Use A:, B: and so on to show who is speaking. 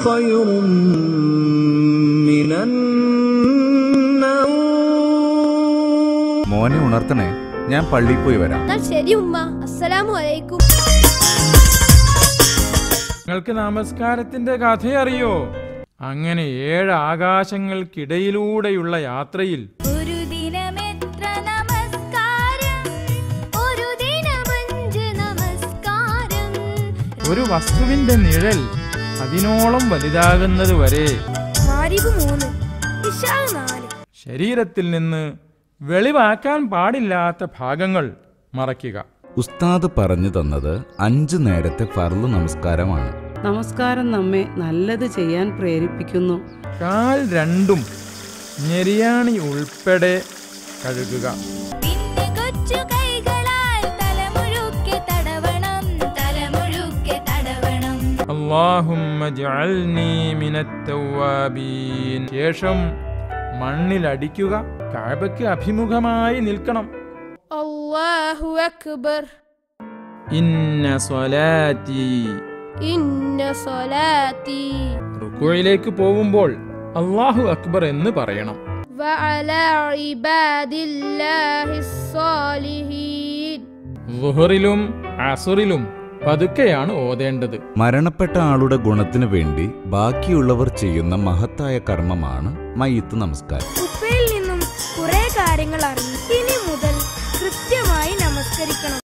A: خير من النوم.
B: മോനെ ഉണർത്തണേ, ഞാൻ പള്ളിയിൽ പോയി വരാം.
C: ശരി ഉമ്മ. അസ്സലാമു അലൈക്കും.
D: നിങ്ങൾക്ക് നമസ്കാരത്തിന്റെ കഥയറിയോ? അങ്ങനെ 7 ആകാശങ്ങൾക്കിടയിലൂടെയുള്ള യാത്രയിൽ
C: ഒരു ദിനമെത്ര നമസ്കാരം, ഒരു ദിനമഞ്ച് നമസ്കാരം.
D: ഒരു വസ്തുവിന്റെ നിഴൽ അതിനോളം വലുതാകുന്നത് വരെ ശരീരത്തിൽ നിന്ന് വെളിവാക്കാൻ പാടില്ലാത്ത ഭാഗങ്ങൾ മറയ്ക്കുക.
B: ഉസ്താദ് പറഞ്ഞു തന്നത് 5 നേരത്തെ ഫർള് നമസ്കാരമാണ്.
E: നമസ്കാരം നമ്മെ നല്ലത് ചെയ്യാൻ പ്രേരിപ്പിക്കുന്നു.
D: കാൽ രണ്ടും ഞെരിയാണി ഉൾപ്പെടെ കഴുകുക. അല്ലാഹുമ്മ ജഅൽനി മിനത് തവ്വാബീൻ. ശേഷം മണ്ണിലടിക്കുക. കഅബയ്ക്ക് അഭിമുഖമായി നിൽക്കണം.
C: അല്ലാഹു അക്ബർ.
D: ഇന്ന സ്വലാത്തി.
C: ഇന്ന സ്വലാത്തി.
D: റുക്കൂയിലേക്ക് പോകുമ്പോൾ അല്ലാഹു അക്ബർ എന്ന് പറയണം.
C: വഅലാ ഇബാദില്ലാഹിസ് സ്വാലിഹീൻ.
D: ളുഹറിലും അസ്റിലും പതുക്കെയാണ് ഓതേണ്ടത്.
B: മരണപ്പെട്ട ആളുടെ ഗുണത്തിനു വേണ്ടി ബാക്കിയുള്ളവർ ചെയ്യുന്ന മഹത്തായ കർമ്മമാണ് മയ്യിത്ത് നമസ്കാരം.
C: ഉപ്പയിൽ നിന്നും കുറെ കാര്യങ്ങൾ അറിഞ്ഞു. ഇനി മുതൽ കൃത്യമായി നമസ്കരിക്കണം.